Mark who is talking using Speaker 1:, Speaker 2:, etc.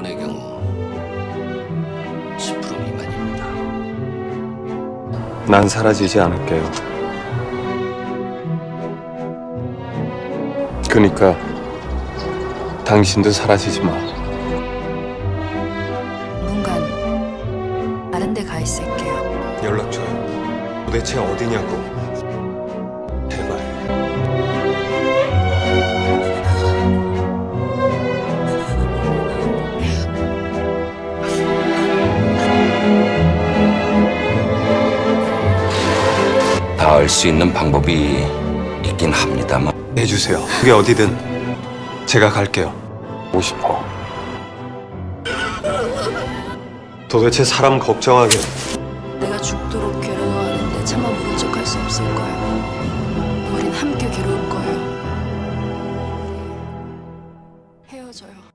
Speaker 1: 대부분의 경우 10% 미만입니다.
Speaker 2: 난 사라지지 않을게요. 그러니까 당신도 사라지지 마.
Speaker 3: 문간 다른 데 가 있을게요.
Speaker 2: 연락 줘요. 도대체 어디냐고. 제발.
Speaker 4: 닿을 수 있는 방법이 있긴 합니다만
Speaker 2: 해주세요. 그게 어디든 제가 갈게요. 오고 싶어. 도대체 사람 걱정하게.
Speaker 3: 내가 죽도록 괴로워하는데 차마 모른 척할 수 없을 거예요. 우린 함께 괴로울 거예요. 헤어져요.